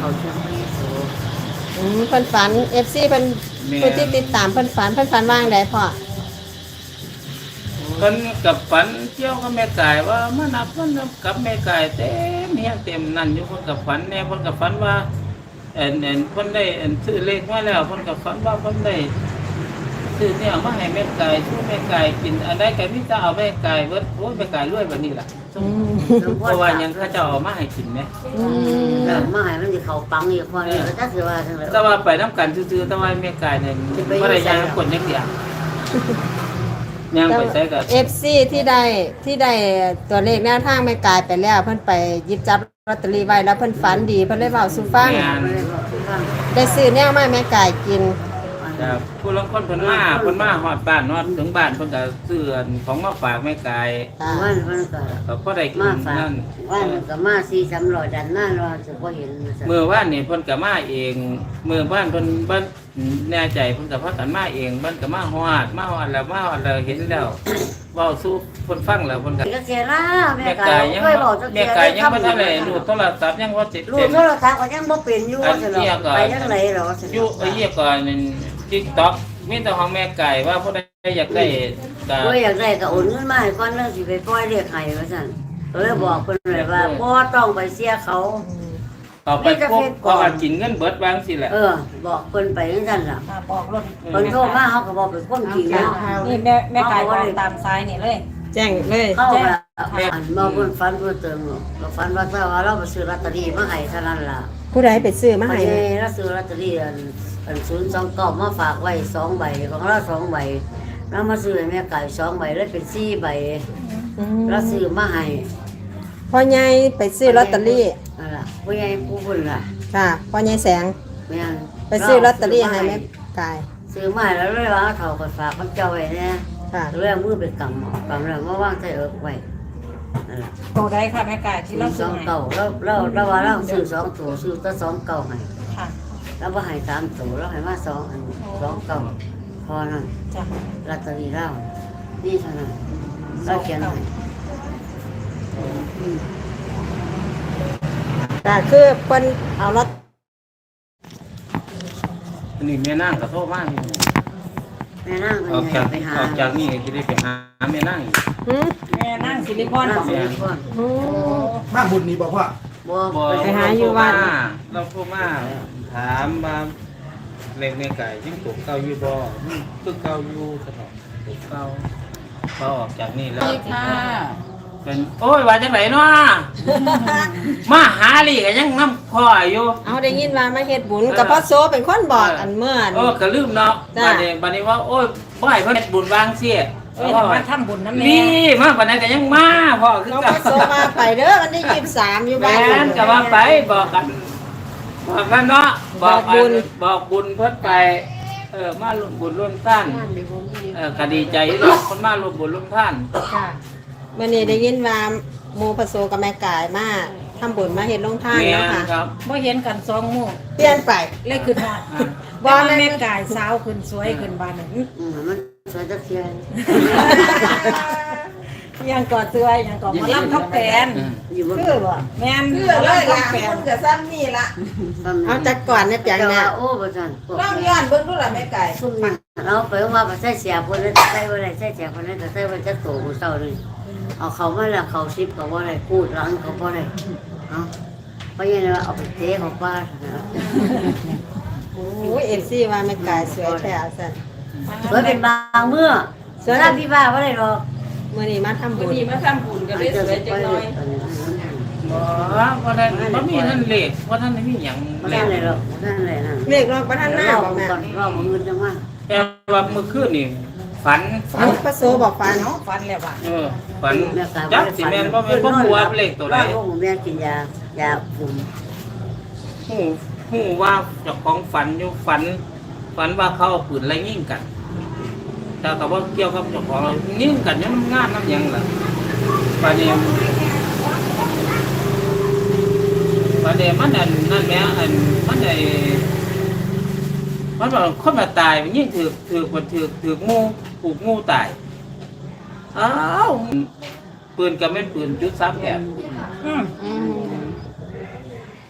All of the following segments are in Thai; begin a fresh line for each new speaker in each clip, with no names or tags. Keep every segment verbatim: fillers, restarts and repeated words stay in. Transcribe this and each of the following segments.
เขาเชื่อมไม่โส
อืมเพิ่นฝัน เอฟ ซี เพิ่นผู้ที่ติดตามเพิ่นฝันเพิ่นฝันว่างใดพ่อ
เพิ่นกับฝันเกี่ยวกับแม่กายว่ามานับมันกับแม่กายเต็มเฮียเต็มนั่นอยู่เพิ่นกับฝันแน่เพิ่นกับฝันว่าเอ็นเอ็นเพิ่นได้เอ็นซื้อเลขมาแล้วเพิ่นกับฝันว่าเพิ่นได้ซื้อเนี่ยมาให้แม่กายช่วยแม่กายกินอันใดก็มีแต่เอาแม่กายเบิดโอ้ยแม่กายรวยแบบนี้ล่ะ
อืม
เพราะว่ายังเขาเจ้าเอามาให้กินแม่
อืม
แล้วมาให้มันสิเขาปังอีกพอนี่ก็จะสิว่าจังได๋
แต่ว่าไปนํกันซื่อๆแต่ว่าแม่กายเนี่ยบ่ได้ยังคนจักเดียวยังไปใส่ก็
เอฟ ซี ที่ได้ที่ได้ตัวเลขแนวทางแม่กายไปแล้ว เพิ่นไปหยิบจับลอตเตอรี่ไว้แล้วเพิ่นฝันดีเพิ่นเลยเว้าสู่ฟัง
แม่น
บ่ได้บอกทุกฟัง
ได้ซื้อแนวมาให้แม่กายกิน
ครับผู้ลางคนเพิ่นมาเพิ่นมาฮอดบ้านฮอดถึงบ้านเพิ่นก็ซื้อของมาฝากแม่กาย
ค่ะ
วันมันก็
ก็พอได้กิ
มาน ฝาก
นั่น
วันมันก็มาสี่สามร้อยดันหน้ารอจะบ่เห็น
เมื่อว่านนี่เพิ่นก็มาเองเมื่อบ้านเพิ่นบ้านแน่ใจเพิ่นก็พากันมาเองเพิ่นก็มาฮอดมาฮอดแล้วมาฮอดแล้วเห็นแล้วเว้าสู่เพิ่นฟังแล้วเพิ่นก็
ก็เสียละแม่
แม่
กาก
าย
ย
ยัง
เคยบอกจัก
แม่
เสีย
กายยังบ่ทันได้รูดโทรศัพท์ยังบ่ติด
ลู
เต็
ก
ม
โทรศัพท์ก็ยังบ่เป็นอยู่ว่าซั่นดอกไปจังได๋หรอซั่น
อยู่ไอ้เหี้ยก่อนนั่น TikTok มีแต่ของแม่ไก่ว่าผู้ใดอยากได้ก็
บ่อยากได้ก็โอนเงินมาให้ก่อนแล้วสิไปปล่อยเรียกให้ว่าซั่นก็เลยบอกเพิ่นเลยว่าบ่ต้องไปเสียเขา
เอาไปพบก็อาจกินเงินเบิดบางสิแหละ
เออ บอกเพิ่นไปจังซั่นล่ะ
อ่าบอกรถ
เพิ่นโทรมาเฮาก็บอกเป็นคนจริงแล้ว
นี่แม่แม่ไก่บอกตามซ้ายนี่เลย
แจ้งเลย
เข้าแบบอันมาเพิ่นฝันเพิ่นเติมหรอกเราฝันว่าถ้าว่าเราไปซื้อลอตเตอรี่มาให้เท่านั้นล่ะ
ผู้ใดไปซื้อมา
มา
ให้
ให้เราซื้อลอตเตอรี่อันอันศูนย์สองเก้ามาฝากไว้สองใบของเราสองใบแล้วมาซื้อให้แม่ไก่สองใบแล้วเป็นสี่ใบ
อืม
เราซื้อมาให้
พ่อใหญ่ไปซื้อลอตเตอรี่
นั่นล่ะผู้ใหญ่ผู้บุญล่ะ
ค่ะพ่อใหญ่แสง
แม่น
ไปซื้อลอตเตอรี่ให้แม่กาย
ซื้อมาให้แล้วเลยว่าเอาเฒ่าก็ฝากกับเจ้าไว้แน่
ค่ะ
เรื่องมือไปกำเอากำแล้วมาวางใส่เอิกไว้นั่นล่ะ
โตได้ค่ะแม่ไก่ที่เรา
ส
ซื้
อ
อง ให้
เก่าแล้วแล้วแล้วว่าเราซื้อสองตัวซื้อแต่สองเก่าให้
ค่ะ
แล้วว่าให้สามตัวแล้วให้มาสองอันสองเก่าพอนั่น
จ้ะ
ลอตเตอรี่เรานี่เท่านั้นเราเขียนให้
ก็คือเพิ่นเอารถ
อันนี้แม่นางก็โทรมาอยู่
แม่นั่ง
ออก
เป็น
จาก
ไงไปหา
ออกจากนี่ก็สิได้ไปหาแม่นางอีก
หืม
แม่นั่งสิริพร
นั่
บ
ง
อก
สิริพร
หืม
บ้านบุญนี่บอกว่า
บ่
บ่
ไปหาอยู่วัด
เราโทรมาถามว่าเลขแม่ไก่ยังตกเก่าอยู่บ่คือเก่าอยู่ตลอดตกเก่าพอออกจากนี่แล้ว เป็นโอ้ยว่าจังไหนเนาะ มาหาลีก็ยังน้ำพ่ออยู่
เอาได้ยินว่ามาเฮ็ดบุญกับพ่อโซเป็นคนบอกอันเมื่อ
เออก็ลืมเนาะ
จ้ะ
บัดนี้บัดนี้ว่าโอ้ยบ่ให้เพิ่นเฮ็ดบุญวางเสีย
เอ้ยมาทำบุญน้ำแม่
นี่มาปานนั้นก็ยังมาพ่อคือ
น้อง
กั
พ่อโซมาไปเด้อวันที่ยี่สิบสามอยู่บ้า
แม่
น
นก็ว่าไปบอกกันบอกกันเนาะบอก
บอกบุญ
บอกบุญเพิ่นไปเออมาร่วมบุญร่วมท่านเออก็ดีใจเนาะคนมาร่วมบุญร่วมท่าน
ค่ะวันนี้ได้ยินว่าหมูพ่อโซกับแม่กายมาทำบุญมาเฮ็ดลงทาน
แม่
เนาะ
น
ค่ะ
ครับ
บ่เห็นกันสองหมู่
เปลี่ยนไป
เลยขึ้นฮอด
อ่า
บ่แม่ไก่สาวขึ้นสวยขึ้นบานนั้น
อืมมันสวยจักเทียน
ยังกอดเสื้อยังกอดมาล่ำท็อปแฟน
อยู่บ่
คือบ่
แม่น
เพื่อเลยล่ะคนกับซ้ำนี่ละ
เอาจักก่อนเนี่ยเปียง
แต่
เนี่
ว่าย โอ้บ่ซั่นพวก
ต้องย้อนเบิ่งดูล่ะแม่ไก่
ซุ่มนี่เราไปว่าไปใส่เสียเพิ่นแล้วใส่บ่ได้ใส่เสียเพิ่นแล้วก็ใส่ไว้จักโตมื้อเช้านี่เอาเขามาแล้วเขาสิบก็บ่ได้พูดหลังก็บ่ได้เอ้าเพราะงั้นว่าเอาไปเทของป้านะ
โอ้ยเอฟซีว่าแม่กายสวยแท้สั่น
สวยเป็นบางเมื่อสวยแล้วพี่บ้าบ่ได้หรอก
มื้อนี้มาทำบุญ
ดีมาทำบุญก็เลยสวยจังน้อย
บ่ว่าท่านบ่มีท่านเลขว่าท่านมีหยัง
บ่
เล
ได้
ข
เลยหรอกบ่ได้เลยนั่น
เลขรอบประทันหน้าบ่แม่
ก่อนรอบมื้อจังว่า
แต่ว่าเมื่อคืนนี่ฝัน
ฝันพระโซบอกฝัน
เนาะฟันแล้วว่ะ
เออฝันจักสิแม่นบ่แม่นบ่ฮู้ว่าเลขตัวใด
ว่าผมแม่กินยายาคุม
ฮู้ฮู้ว่าเจ้าของฝันอยู่ฝัน ฝันว่าเขาเอาปืนไล่ยิงกัน แต่ก็บ่เกี่ยวกับเจ้าของยิงกันยังงานนำหยังล่ะบัดนี้บัดนี้มันอันนั่นแหมอันมันได้มันว่าคนมาตายมันยิ่งถือถือคนถือถืองูผูกงูตายอ้าวปืนก็แม่นปืนจุดสามแอบ
อืม
อืม
ปื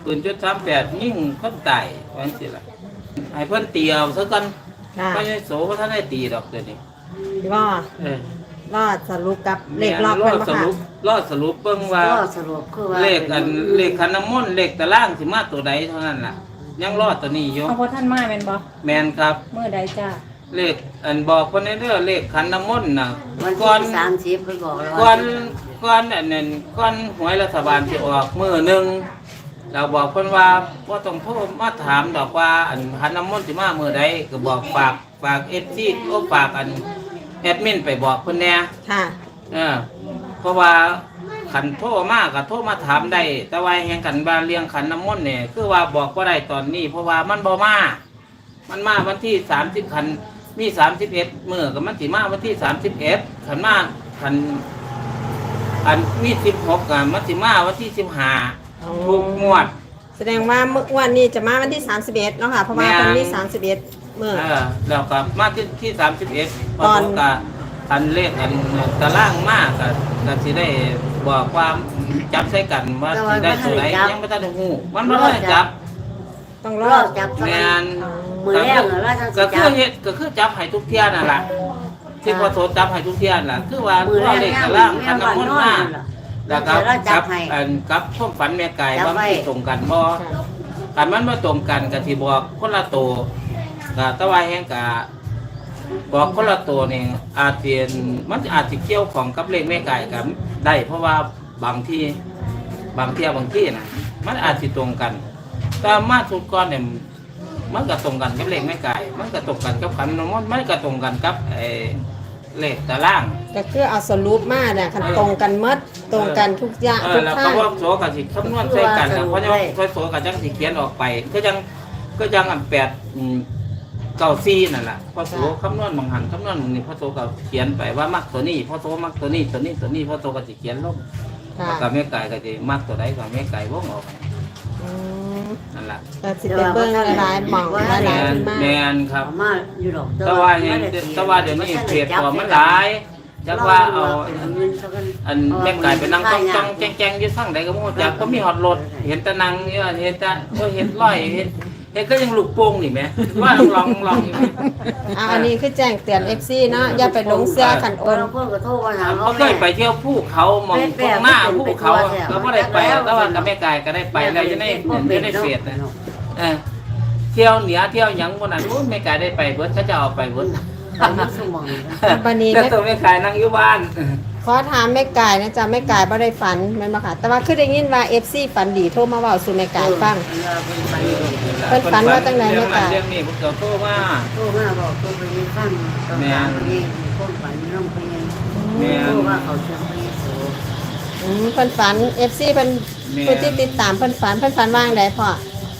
ปืนจุดสามแปดยิ่งคนตายว่าจังซี่ล่ะให้เพิ่นตีเอาซะก่อน
ค่ะ
บ่ได้โสบ่ทันได้ตีดอกเดี๋ยวนี้
รอ
เออ
รอสรุปกับเลขรอบ
ร
เพิ่
อน ด
บ่
ส
ค่ะ
รุปรอดสรุปเบิ่งว่า
ก็สรุปคือว่า
เลขอันเลขขันน้ำมนต์เลขตารางสิมาตัวใดเท่านั้นล่ะ ยังรอดตัวนี้อยู่
เอาพอท่านมาแม่นบ่
แมนครับ
เมื่อใดจ้า
เลขอันบอกคนในเรื่องเลขขันน้ำมนต์น่ะ
วัน
ก่อน
ที่สามสิบเพิ่นบอกเลย
ก่อ
ว่าน
ก่อนอันนั้นก่อนหวยรัฐบาลสิออกมื้อหนึงเราบอกเพิ่นว่าบ่ต้องโทรมาถามดอกว่าอันขันน้ำมนต์สิมามื้อใดก็บอกฝากฝาก เอฟ ซี โอ้ฝากอันแอดมินไปบอกเพิ่นแหน่
ค่ะ
เออเพราะว่าขันโทรมาก็โทรมาถามได้แต่ว่าแห่งขันบาเลี้ยงขันน้ำมนต์เนี่ยคือว่าบอกว่าได้ตอนนี้ เพราะว่ามันบ่มา มันมาวันที่สามสิบขันมีสามสิบเอ็ดมื้อก็มันสิมาวันที่สามสิบเอ็ดขันมาขันอันมีสิบหกอ่ะมันสิมาวันที่สิบห้า
อ๋อ
ทุกงวด
แสดงว่าเมื่อวันนี้จะมาวันที่สามสิบเอ็ดเนาะค่ะเพราะว่า
แม่น
เพิ่นมีสามสิบเอ็ดมื้อ
เออแล้วก็มาที่ที่สามสิบเอ็ดพอ
ตอน
ตกกับอันเลขอันตารางมากก็ก็สิได้บอกความจับใส่กันว่าสิได้ตัวไหนยังไม่ทันได้ฮู้มันบ่ได้จับ
ต้องร
ร
อ
อบจับ
แมน
มือแรกเหรอว่าจะ
ก็
จั
คือบ เฮ็ดก็คือจับให้ทุกเที่ยนั่นล่ะที่พอโสจับให้ทุกเที่ยนั่นล่ะคือว่า
มือแร
ว่าก เลข
แม่
ตา
บ้า
ราง
น
คัน
แม่บ้าน
น้ำมน
น
ต์
อน
มา
นั่นล่ะ
แล้วก็
แล้วจั
จั
บบ ให้
อันกับความฝันแม่ไก่
จับ
ว่า
ไว้
มันตรงกันบ่คันมันบ่ตรงกันก็สิบอกคนละตัวก็แตะว่าแฮงก็บอกคนละตัวนี่อาจสิมันอาจสิเกี่ยวของกับเลขแม่ไก่กันได้ เพราะว่าบางที่บางเที่ยบางที่น่ะมันอาจสิตรงกันแต่มาสุดก่อนเนี่ย มันก็ตรงกันกับเลขแม่ไก่ มันก็ตรงกันกับขันน้ำมนต์มันก็ตรงกันกับไอ้เลขตาราง
ก็คือเอาสรุปมาเนี่ยคันตรงกันหมดตรงกันทุกอย่าง
เอ
ทุ
อก แล้ว
ทา
ก็
ง
ว่าโสกับสิคำนวณใส่กันแล้วเพราะว่าโสกับจังสิเขียนออกไป ก็ยังก็ยังอันแปดอืมเก้าซี่นั่นแหละพอโสคำนวณบางหันคำนวณบางนี่พอโสก็เขียนไปว่ามักตัวนี้พอโสมักตัวนี้ตัวนี้ตัวนี้พอโสก็สิเขียนลง
ค่ะ
แล้วกับแม่ไก่ก็สิมักตัวใดก็แม่ไก่วงออก
อืม
นั่นแหละ
ก็สิไปเบิ่งหลายๆหม่องห
แม
ลายๆ
น
ขึ้นมา
แมนครับ
เอามาอยู่ดอก
แต่ว่าเห็นแต่ว่าเดี๋ยวนี้เพจตัวมันหลายจักว่าเอาอันแม่ไก่ไปนั่งต้องต้องแจ้งๆอยู่สั่งใดก็บ่จักก็มีฮอดรถเห็นแต่นั่งอยู่เห็นแต่โอ้ยเห็นร้อยเห็นเห็นก็ยังลูกโป่งนี่แหมว่าลองลองอยู่
อ่าอันนี้คือแจ้งเตือน เอฟ ซี เนาะอย่าไปหลงเสื้อขันโอ
คน
น
เพิ่นก็โทรมาถาม
เขาเคยไปเที่ยวภูเขามองตรงหน้าภูเขาก็บ่ได้ไปแต่ว่ากับแม่ไก่ก็ได้ไปแล้วอยู่ในอยู่ในเฟซนะเออเที่ยวเหนือเที่ยวหยังบ่นั้นโอ้ยแม่ไก่ได้ไปเบิดเขาจะเอาไปเบิด
สมอง
บัดนี้
แล้วตัวแม่ไก่นั่งอยู่บ้าน
ขอถามแม่กายนะจ๊ะแม่กายบ่ได้ฝันแม่นบ่ค่ะแต่ว่าคือได้ยินว่า เอฟ ซี ฝันดีโทรมาเว้าสู่แม่กายฟัง เพิ่นฝันว่าจังไหนแม่ไก่
เรื่องนี้เพิ่นก็โทรมา
โทรมาบอกโทรไปยินฟังตอนนั้นนี่คนฝันน้องไปยัง
แม่
โทร
น
ว่าเขาเชื่อไปโส
อืมเพิ่นฝัน เอฟ ซี เพิ่น
แม่
ผู้ที่ติดตามเพิ่นฝันเพิ่นฝันว่าจั่งใดพ่อ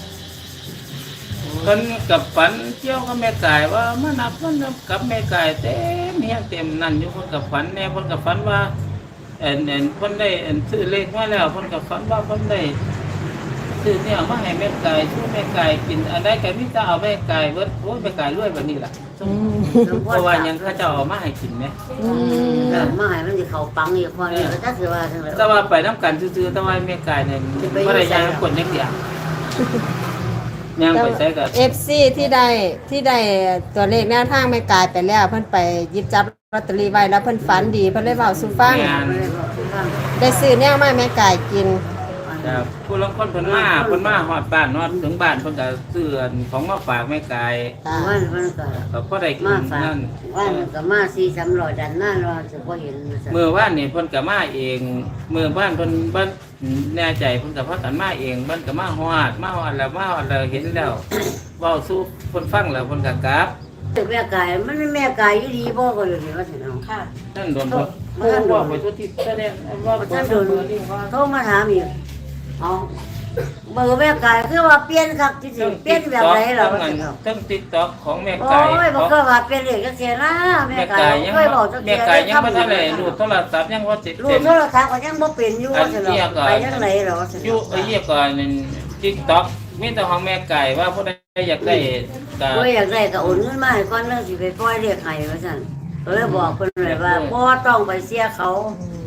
เพิ่นกับฝันเกี่ยวกับแม่ไก่ว่ามานับมันนับกับแม่ไก่เต็มเฮียงเต็มนั่นอยู่เพิ่นกับฝันแน่เพิ่นกับฝันว่าเอ็นเอ็นเพิ่นได้เอ็นซื้อเลขมาแล้วเพิ่นกับฝันว่าเพิ่นได้ซื้อเนี่ยมาให้แม่ไก่ช่วยแม่ไก่กินอันใดก็มีแต่เอาแม่ไก่เบิดโอ้ยแม่ไก่รวยแบบนี้ล่ะ
อืม
เพราะว่าหยังเขาเจ้าเอามาให้กินแหม
อืม
แต่มาให้มันสิเขาปังอีกคนนี่ก็จะสิว่าจังได๋
แต่ว่าไปนํกันซื่อๆแต่ว่าแม่ไก่เนี่ยบ่ได้ยังคนจักเดียวยังไปใส่ก็
เอฟ ซี ที่ได้ที่ได้ตัวเลขแนวทางแม่กายไปแล้ว เพิ่นไปหยิบจับลอตเตอรี่ไว้แล้วเพิ่นฝันดีเพิ่นเลยเว้าสู่ฟัง
แม่น
ได้ซื้อแนวมาแม่กายกิน
ครับผู้ลางคนเพิ่นมาเพิ่นมาฮอดบ้านฮอดถึงบ้านเพิ่นก็ซื้ออันของมาฝากแม่ไก่
ค่ะ
วันมันก็
ก็พอได้กิ
มาน ฝาก
นั่น
วันมันก็มาสี่สามร้อยดันหน้ารอจะบ่เห็น
มื้อวานนี่เพิ่นก็มาเองมื้อบ้านเพิ่นบ้านแน่ใจเพิ่นก็พากันมาเองเพิ่นก็มาฮอดมาฮอดแล้วมาฮอดแล้วเห็นแล้วเว้าสู่เพิ่นฟังแล้วเพิ่นก็กลับ
ตึกแม่กายมันแม่กายอยู่ดีบ่ก็อยู่นี่ว่าซั่นเนาะ
ค่ะ
ท่านโดนเพิ่นเพิ่นบอกไปทุกที่แสดงว่า
ท่านโดน
เบอร์นี่ว่า
โทรมาถามอีกเอาเบอร์แม่กายคือว่าเปลี่ยนคักจริงๆเปลี่ยนแบบไหนเหรอว่าซั่นเนาะ
ทั้ง TikTok ของแม่
โอ้
ไก่
ยบ่เคยว่าเปลี่ยนเลยจักเสียนะแม่
แม่
กา
ไก่
ย
ยัง
เคยบอกจัก
แม่
เสีย
ไก่ยังบ่ทันได้รูดโทรศัพท์ยังบ่ติด
รู
เต็
ด
ม
โทรศัพท์ก็ยังบ่เป็นอยู่ว่าซั่นเนาะไปจังไหนเหรอว่าซั่น
อยู่
เนาะ
ไอ้เหี้ยก่อนนั่น TikTok มีแต่ของแม่ไก่ว่าผู้ใดอยากได้ก็
บ่อยากได้ก็โอนเงินมาให้ก่อนเรื่องสิไปปล่อยเรียกให้ว่าซั่นก็เลยบอกเพิ่นเลยว่าบ่ต้องไปเสียเขา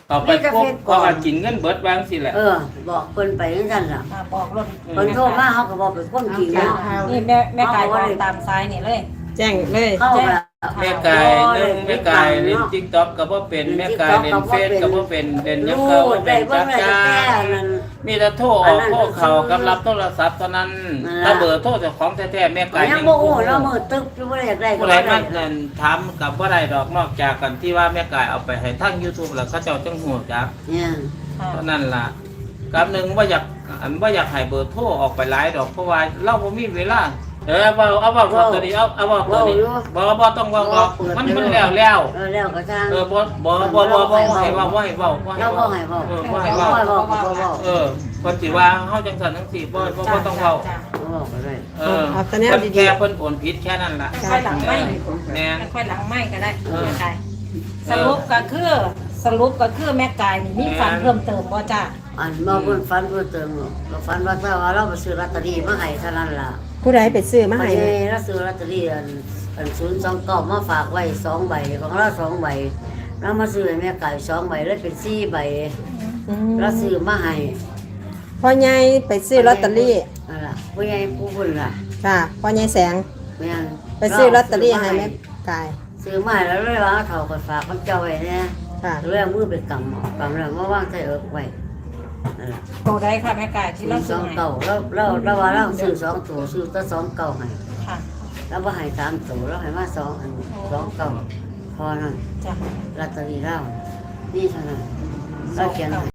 เอาไปพบเพราะว่ากินเงินเบิดบางสิแหละ
เออ บอกเพิ่นไปจังซั่นล่ะ
อ่าบอกรถ
เพิ่นโทรมาเขาก็บอกเป็นคนกินแล้ว
นี่แม่แม่ไก่บอกตามซ้ายนี่เลย
แจ้งเลย
เข้าแบบ
แม่กายหนึงแม่กายเล่น TikTok ก็บ่เป็นแม่กายเล่นเฟซก็บ่เป็นเล่นหยัง
รู้
ก็บ่เป็
ได้
น
เบิ่
จั
ง
ก
ได้
จ้า
แต่นั้น
มีแต่โทรออกโทรเข้ากับรับโทรศัพท์เท่านั้น
นั่นล่ะ
ถ้าเบอร์โทรเจ้าของแท้ๆแม่กาย
ยังบ่ฮู้เรามือตึ๊บอยู่บ่ได้อยากได้ก็
ผู้
บ่
ใด
ได้
มาเงินถามกับบ่ได้ดอกนอกจากกันที่ว่าแม่กายเอาไปให้ทาง YouTube แล้วเขาเจ้าจังฮู้จัก
เนี่ย
เท่านั้นล่ะกับหนึ่งว่าอยากอันว่าอยากให้เบอร์โทรออกไปหลายดอกเพราะว่าเราบ่มีเวลาเออเอาเอาเอาเอาตัวนี้เอาเอาเอาตัวนี้บ่บ่ต้องเว้าดอกมันมันแล้วแล้ว
เออแล้วก็ทาง
เออบ่บ่บ่บ่บ่ให้เว้าบ่ให้เว้าบ่ให้
เราบ่
เว้า
ให้เว้า
เออ
บ่
บ่
ให้
ให้
เว้า
เว้า
บ่ให้เว้าบ่เว้า
เออเพิ่นสิว่าเฮาจังซั่นจังซี่บ่บ่บ่ต้องเว้า
จ้ะ
บ่เว้าก็ได้
เออ
เอาแต่แนว
เพิ่น
ดี
แค่เพิ่นโอนผิดแค่นั้นล่ะ
ค่อยหลังไม่
แม่น
ค่อยหลังไม่ก็ได้
เออ
แม่ไก่สรุปก็คือสรุปก็คือแม่ไก่นี่มีฝันเพิ่มเติมบ่จ้า
อันมาเพิ่นฝันเพิ่นเติมก็ฝันว่าถ้าว่าเราไปซื้อลอตเตอรี่มาให้เท่านั้นล่ะ
ๆผู้ใดไปซื้อมา
มา
ให้
ให้เราซื้อลอตเตอรี่อันอันศูนย์สองเก้ามาฝากไว้สองใบของเราสองใบเรามาซื้อให้แม่ไก่สองใบแล้วเป็นสี่ใบ
อืม
เราซื้อมาให้
พ่อใหญ่ไปซื้อลอตเตอรี่
นั่นล่ะผู้ใหญ่ผู้บุญล่ะ
ค่ะพ่อใหญ่แสง
แม่น
ไปซื้อลอตเตอรี่ให้แม่กาย
ซื้อมาให้แล้วเลยว่าเอาเท่ากับฝากมันเจ้าไว้เนี่ย
ค่ะ
เรื่องมือไปกำเอากำแล้วมาว่างใส่เอิกไว้นั่นล่ะ
โตได้ค่ะแม่ไก่ที่
ซื้
เรา
อส
ซื้
อ
อง ให้
เก่าแล้วเราเราว่าเราซื้อสองตัวซื้อแตั้สองเก่าให้
ค่ะ
แล้วว่าให้สามตัวแล้วให้มาสองอันสองเก่าพอนั่น
จ้ะ
ลอตเตอรี่เรานี่เท่านั้นเราเขียนให้